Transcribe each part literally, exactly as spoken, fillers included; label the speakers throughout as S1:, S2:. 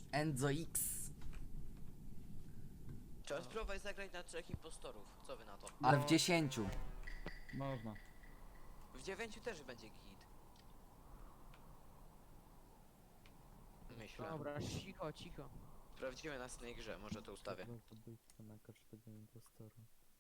S1: Enzo X.
S2: Trzeba spróbować zagrać na trzech impostorów. Co wy na to?
S1: Ale w
S3: No.
S1: dziesięciu.
S3: Można.
S2: W dziewięciu też będzie git. Myślę.
S4: Dobra, cicho, cicho.
S2: Sprawdzimy na następnej grze, może to ustawię.
S3: Zabójstwo na każdego impostora.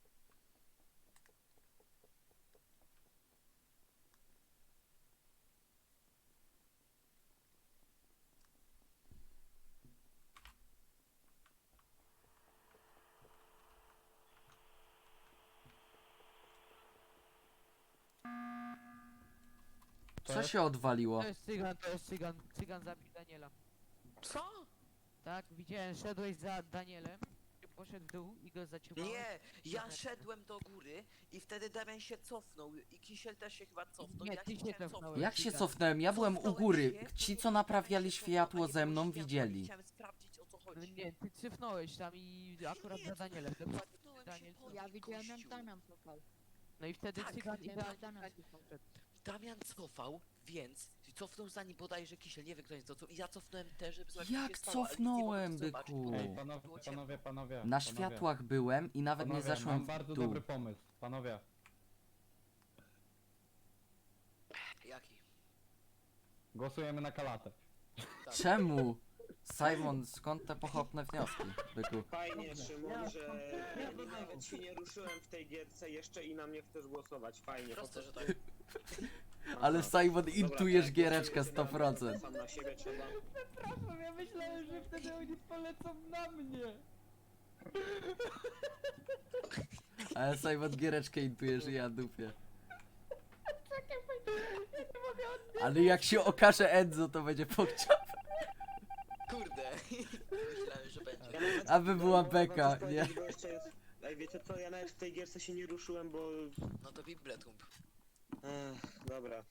S1: Co się odwaliło?
S4: To jest cygan, to jest cygan. Cygan zabił Daniela.
S2: Co?
S4: Tak, widziałem, szedłeś za Danielem, poszedł w dół i go zaciągnąłeś.
S2: Nie, ja szedłem do góry i wtedy Damian się cofnął i Kisiel też się chyba cofnął.
S4: Nie,
S2: ja
S4: ty
S2: się
S4: się
S2: chciałem
S4: cofnąłeś.
S1: Jak się
S4: Cygan.
S1: cofnąłem? Ja byłem u
S2: Cofnąłem
S1: góry.
S2: się,
S1: Ci,
S2: to
S1: co
S2: nie
S1: naprawiali
S2: Damian się
S1: światło
S2: cofnął, a
S1: ze
S2: nie
S1: mną,
S2: było światła i
S1: widzieli.
S2: Chciałem sprawdzić o co
S4: No
S2: chodzi.
S4: nie, ty cyfnąłeś tam i akurat
S2: Nie,
S4: za Danielem. Dokładnie
S2: Cofnąłem się
S4: Daniel.
S2: po
S5: Ja
S2: nim,
S5: widziałem jak
S2: gościu.
S5: Damian cofał.
S4: No i wtedy
S2: Tak,
S4: cygan i
S5: widziałem, jak
S4: Daniel.
S5: Damian cofał.
S2: Damian cofał, więc cofnął za nim bodajże Kisiel, nie wiem kto jest to, i ja cofnąłem też, żeby zobaczyć co
S1: Jak
S2: się stało, ale nic nie
S1: cofnąłem,
S2: mogłem zobaczyć,
S1: byku?
S2: bo
S3: Ej,
S2: było
S3: panowie,
S2: ciemno.
S3: panowie, panowie.
S1: Na
S3: panowie.
S1: światłach byłem i nawet nie
S3: Panowie,
S1: zeszłem
S3: mam
S1: w
S3: bardzo
S1: dół.
S3: dobry pomysł. Panowie,
S2: Jaki?
S3: głosujemy na kalatę.
S2: Tak.
S1: Czemu? Simon, skąd te pochopne wnioski, byku?
S6: Fajnie, Szymon, że nawet się nie ruszyłem w tej gierce jeszcze i na mnie chcesz głosować. Fajnie.
S2: Proste, że
S6: po
S2: tak.
S6: prostu.
S1: Ale Simon,
S6: Dobra,
S1: intujesz
S6: tak,
S1: giereczkę
S6: głosujcie
S1: sto
S6: na mnie,
S1: procent.
S6: Sam na siebie trzeba.
S4: Przepraszam, ja myślałem, że wtedy oni polecą na mnie.
S1: Ale Simon, giereczkę intujesz i ja dupię. Ale jak się okaże Enzo, to będzie pokciał.
S2: Kurde. Myślałem, że będzie.
S6: Ja nawet-
S1: Aby była
S6: ja mogę wam
S1: beka,
S6: coś
S1: nie?
S6: powiedzieć, bo jeszcze jest... Ej, wiecie co, ja nawet w tej gierce się nie ruszyłem, bo...
S2: No to Bibletump.
S6: Ech, dobra.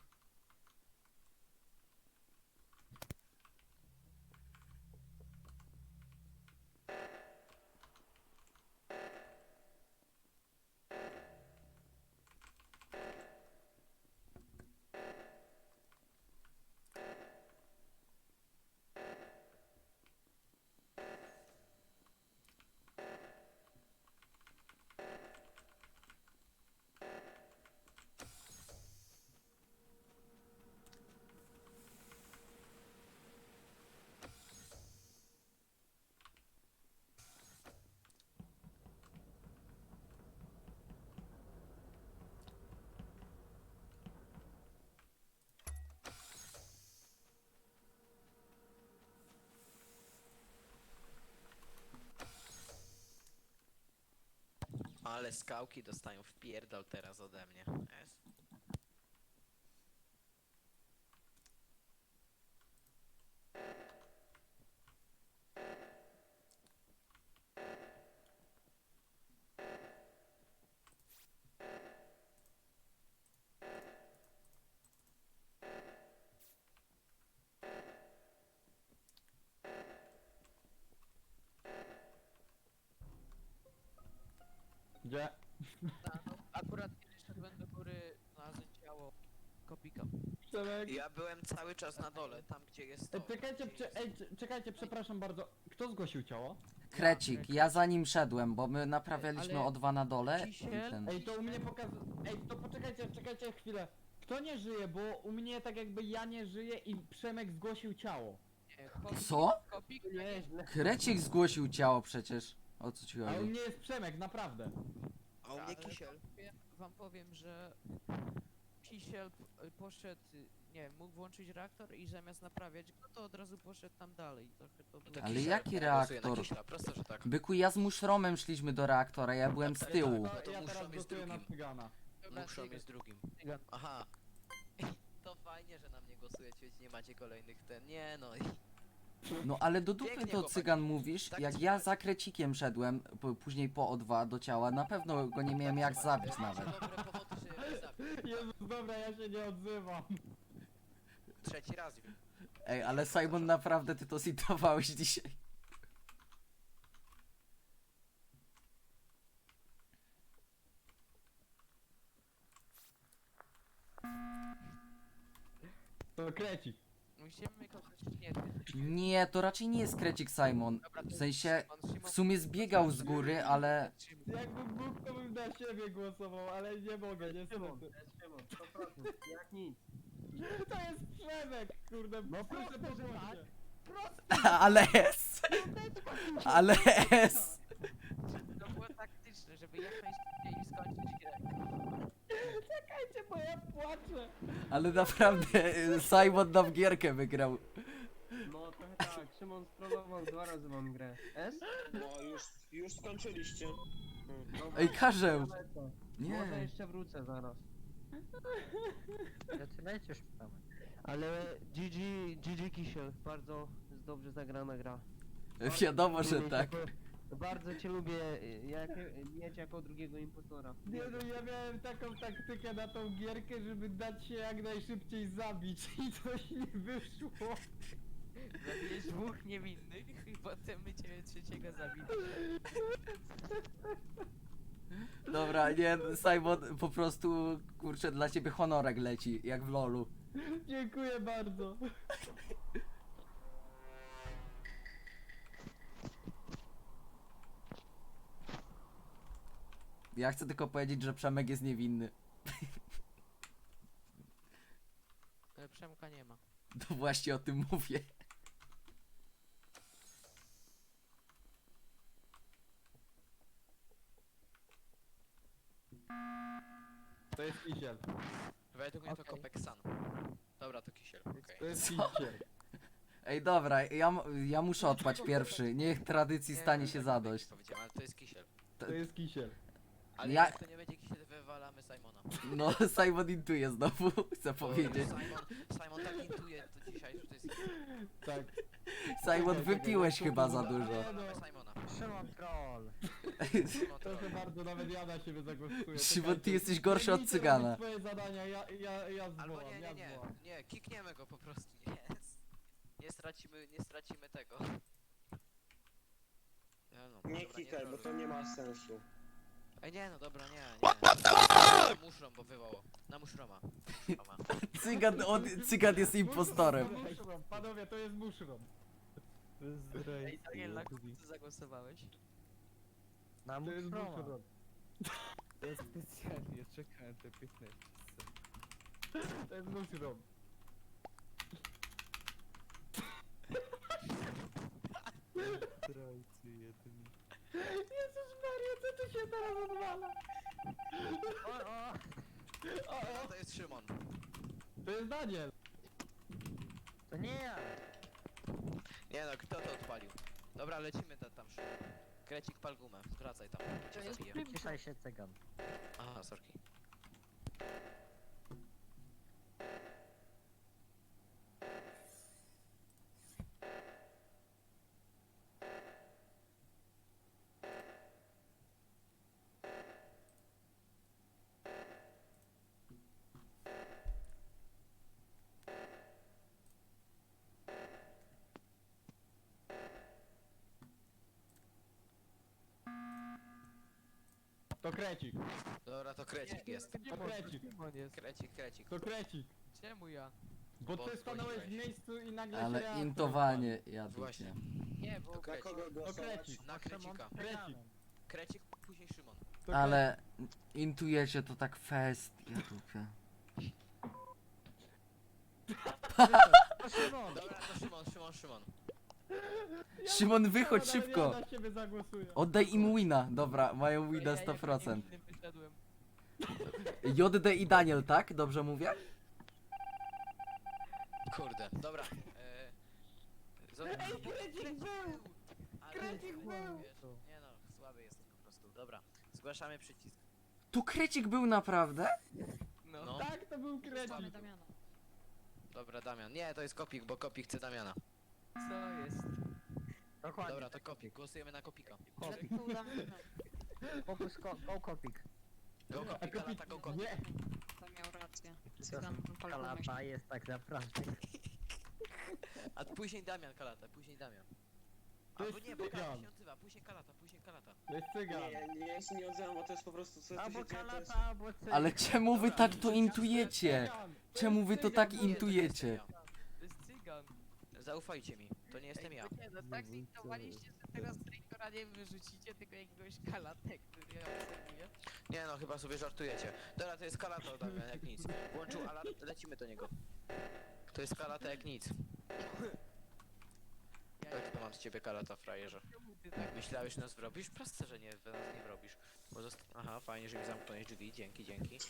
S2: Ale skałki dostają wpierdol teraz ode mnie. Jest.
S3: Gdzie?
S4: Akurat kiedy szedłem do góry, znalazłem ciało Kopika.
S3: Przemek.
S2: Ja byłem cały czas na dole, tam gdzie jest to.
S3: Ej, czekajcie,
S2: gdzie
S3: prze,
S2: jest-
S3: ej, c- czekajcie, przepraszam bardzo. Kto zgłosił ciało?
S1: Krecik, ja za nim szedłem, bo my naprawialiśmy
S4: Ale
S1: o dwa na dole i
S4: Kisiel-
S1: ten...
S3: Ej, to u mnie pokaz... Ej, to poczekajcie, czekajcie chwilę. Kto nie żyje, bo u mnie tak jakby ja nie żyję i Przemek zgłosił ciało.
S4: Nie, Kopik,
S1: Co?
S4: Kopik nieźle.
S1: Krecik zgłosił ciało przecież. O co ci
S3: A u
S1: chodzi?
S3: mnie jest Przemek, naprawdę.
S2: A u mnie
S4: Ale
S2: Kisiel.
S4: powiem- wam powiem, że Kisiel p- poszedł, nie wiem, mógł włączyć reaktor i zamiast naprawiać go, to od razu poszedł tam dalej. Trochę to było...
S2: To
S1: Ale
S2: Kisiel,
S1: jaki
S2: ja głosuję na
S1: reaktor?
S2: Kisiela, proste, że tak.
S1: Byku, ja z Muszromem szliśmy do reaktora, ja byłem z
S2: Ale
S1: tyłu.
S2: tak,
S3: No,
S2: no to
S3: ja
S2: muszą
S3: teraz
S2: jest
S3: głosuję na
S2: drugim.
S3: Cygana.
S4: Dobra,
S2: Muszą
S4: cygan,
S2: jest drugim.
S4: cygan.
S2: Aha. To fajnie, że na mnie głosujecie, więc nie macie kolejnych ten. Nie no.
S1: No ale do dupy
S2: Pięknie,
S1: to
S2: chłopaki.
S1: cygan mówisz,
S2: Tak
S1: jak
S2: trzymać.
S1: ja za Krecikiem szedłem, p- później po O dwa do ciała, na pewno go nie miałem jak zabić nawet.
S2: Dobre powody, żeby mnie zabić.
S3: Jezus, dobra, ja się nie odzywam.
S2: Trzeci raz już.
S1: Ej, ale Simon, naprawdę ty to zitowałeś dzisiaj.
S3: To Krecik.
S4: musimy kogoś nie wiem.
S1: Nie, to raczej nie jest Krecik Simon.
S4: Dobra, to
S1: W sensie,
S4: Szymon, Szymon,
S1: w sumie zbiegał z góry, ale...
S3: Jakbym mógł, to bym na siebie głosował, ale nie mogę, niestety.
S5: Szymon, sto procent, jak nic.
S3: To jest Przemek, kurde,
S5: No
S3: proszę
S5: proste, że
S3: pomóżcie.
S1: Ale S! Ale S!
S4: To było taktyczne, żeby jak najszybciej skończyć grę.
S3: Czekajcie, bo ja płaczę.
S1: Ale naprawdę y, Simon nam gierkę wygrał.
S5: No trochę tak, Szymon strollował, dwa razy mam grę. S?
S6: No już, już skończyliście. Hmm.
S5: Dobra,
S1: Ej, Karzeł!
S5: lecę. Może
S1: Nie.
S5: jeszcze wrócę zaraz.
S7: Zaczynajcie już mamy.
S5: Ale G G, G G Kisiel, bardzo dobrze zagrana gra.
S1: Wiadomo, że
S5: Lubię
S1: tak.
S5: cię, bo- Bardzo cię lubię, jak, mieć jako drugiego impostora.
S3: Nie no, ja miałem taką taktykę na tą gierkę, żeby dać się jak najszybciej zabić i coś nie wyszło.
S4: Zabijesz dwóch niewinnych i potem my ciebie trzeciego zabili.
S1: Dobra, nie, Simon, po prostu, kurczę, dla ciebie honorek leci, jak w lolu.
S3: Dziękuję bardzo.
S1: Ja chcę tylko powiedzieć, że Przemek jest niewinny.
S4: Ale Przemka nie ma.
S1: To właśnie o tym mówię.
S3: To jest Kisiel.
S2: Według mnie to
S7: Okej.
S2: Kopek San. Dobra, to Kisiel, okej.
S3: To jest
S1: Co?
S3: Kisiel.
S1: Ej, dobra, ja, m- ja muszę odpaść pierwszy. Niech tradycji
S2: Nie,
S1: stanie
S2: tak
S1: się
S2: jak
S1: zadość.
S2: powiedziałem, ale to jest Kisiel.
S3: To jest Kisiel.
S2: Ale
S1: Ja-
S2: jak to nie będzie Kisiel, wywalamy Simona.
S1: No, Simon intuje znowu, chcę
S2: Bo
S1: powiedzieć.
S2: Simon, Simon tak intuje to dzisiaj, że to jest
S3: Tak.
S1: Simon, wypiłeś chyba za dużo.
S2: Wywalamy Simona.
S7: Szymon troll.
S2: Simon
S3: Proszę
S2: troll.
S3: bardzo, nawet ja na siebie zagłosuję.
S1: Szymon, ty
S3: Czekajcie.
S1: jesteś gorszy od
S3: Biegnijcie
S1: cygana.
S3: robić swoje zadania, ja, ja, ja
S2: Albo
S3: zwołam,
S2: nie, nie,
S3: ja
S2: nie,
S3: zwołam.
S2: nie, kikniemy go po prostu, nie. Nie stracimy, nie stracimy tego. Ja no,
S6: Nie
S2: dobra,
S6: kikaj, bo
S2: troluj.
S6: to nie ma sensu.
S2: Ej, nie, no dobra, nie, nie. Na muszrom, bo wywołał. Na muszroma. Muszroma.
S1: Cygan, on, cygan jest impostorem.
S3: To muszrom, panowie, to jest muszrom.
S4: Ej, Daniel, na kogo ty zagłosowałeś?
S7: Na
S3: To jest
S7: muszroma.
S3: muszrom.
S8: Ja specjalnie czekałem te piętnaście sekund.
S3: To jest muszrom.
S8: Zdrajcy jeden.
S3: Jezus Maria, co tu się teraz odwala?
S7: O, o.
S3: O,
S2: No
S3: o,
S2: to jest Szymon.
S3: to jest Daniel.
S7: To nie ja.
S2: Nie no, kto to odpalił? Dobra, lecimy ta, tam Szymon. Krecik, pal gumę, wracaj tam. Cię zabiję.
S7: Ciszaj się cygan.
S2: Aha, sorki.
S3: To krecik.
S2: Dobra, to krecik jest.
S3: To krecik.
S4: Szymon jest.
S2: Krecik, krecik.
S3: To krecik.
S4: Czemu ja?
S3: Bo
S2: Bo
S3: ty stanąłeś w
S2: zgłosiłeś.
S3: miejscu i nagle się
S1: Ale
S3: reaktor
S1: intowanie, ja
S2: Właśnie.
S1: dupie.
S4: Nie, bo
S2: To
S6: Na
S2: krecik.
S6: kogo głosować?
S3: krecik.
S2: Na krecika.
S3: Krecik.
S2: Krecik, później Szymon.
S3: odpadł. To
S1: Ale intujecie to tak fest, ja dupie.
S7: To Szymon.
S2: Dobra, to Szymon, Szymon, Szymon.
S3: Ja
S1: Szymon, wychodź
S3: nawet
S1: szybko.
S3: Ja na siebie zagłosuję.
S1: Oddaj im wina. Dobra, mają
S4: Ej,
S1: wina
S4: ja
S1: sto
S4: jako
S1: procent.
S4: niewinny wyszedłem.
S1: J D i Daniel, tak? Dobrze mówię?
S2: Kurde, dobra. E... Zobacz,
S3: Ej, krecik był!
S2: Ale
S3: Krecik
S2: wiesz,
S3: był!
S2: Nie no, słaby jesteś po prostu. Dobra, zgłaszamy przycisk.
S1: Tu Krecik był naprawdę?
S4: No.
S2: No.
S3: Tak, to był krecik.
S2: Dobra, Damian. Nie, to jest Kopik, bo Kopik chce Damiana.
S4: Co jest?
S7: Dokładnie.
S2: Dobra, to Kopik. Głosujemy na Kopika.
S7: Kopik. Fokus ko go kopik.
S2: Go
S3: A
S2: Kopik,
S3: kopik...
S2: Kalata, go Kopik.
S3: Nie,
S9: To miał rację.
S7: Kalapa jest tak naprawdę.
S2: A później Damian Kalata, później Damian.
S3: To
S2: Albo
S3: jest
S2: nie, bo Kalata
S3: cygan.
S2: się odzywa, później Kalata, później Kalata.
S3: to jest cygan.
S6: Nie, nie, ja się nie odzywam, bo to jest po prostu co tu
S7: Albo
S6: się dzieje, to jest...
S7: kalapa, albo cygan.
S1: Ale czemu wy tak to intujecie?
S3: Cygan. To
S1: Czemu
S3: jest
S1: wy to
S3: cygan,
S1: tak
S3: bo-
S2: Nie, to nie
S1: intujecie?
S2: jest Damian.
S4: To jest cygan.
S2: Zaufajcie mi, to nie jestem
S4: Ej,
S2: ja.
S4: bo nie, no tak zintowaliście, że teraz Traitora nie wyrzucicie, tylko jakiegoś kalatę, który ja obserwuję.
S2: Nie no, chyba sobie żartujecie. Dobra, to jest kalata Damian, jak nic. Włączył alarm, lecimy do niego. To jest kalata jak nic.
S4: Ja
S2: Tak to mam z ciebie kalata, frajerze.
S4: czemu ty tak
S2: Myślałeś, że nas wrobisz? Proste, że nie, że nas nie wrobisz. Bo zost... Aha, fajnie, że mi zamknąłeś drzwi, dzięki, dzięki.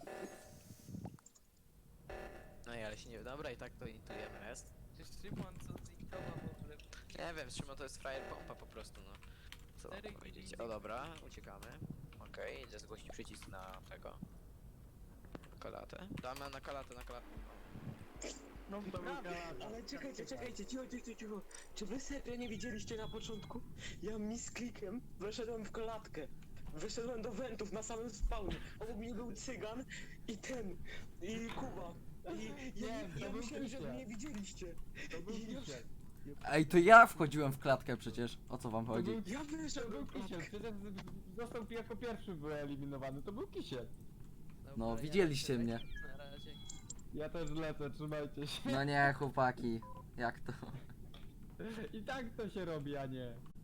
S2: No i ale się nie... Dobra, i tak to intujemy rest.
S4: Czy Szymon co zintował w ogóle?
S2: Nie wiem, z czym to jest frajer pompa po prostu, no. Co mam
S4: Cztery
S2: powiedzieć?
S4: gwizdki.
S2: O dobra, uciekamy. Okej, idę zgłosić przycisk na tego. Na kalatę. Damy na kalatę, na kalatę.
S3: No
S6: Ale czekajcie, czekajcie, cicho, cicho, cicho. Czy wy serio nie widzieliście na początku? Ja misklikiem weszedłem w klatkę. Wyszedłem do wentów na samym spawnie. Obok mnie był cygan i ten, i Kuba. I ja,
S3: Nie,
S6: nie,
S3: to
S6: ja
S3: był
S6: myślałem, że
S3: Krystian.
S6: mnie widzieliście.
S3: To był
S6: I już-
S3: kisiel.
S1: Ej, to ja wchodziłem w klatkę przecież. O co wam
S3: To
S1: chodzi?
S3: był,
S6: Ja
S3: to
S6: wyszedłem
S3: był
S6: w
S3: kisiel,
S6: klatkę.
S3: przecież został jako pierwszy wyeliminowany, to był kisiel.
S4: Dobra,
S1: No,
S4: ja
S1: widzieliście
S4: lecę,
S1: mnie.
S4: lecimy Na razie.
S3: Ja też lecę, trzymajcie się.
S1: No nie, chłopaki. Jak to?
S3: I tak to się robi, a nie.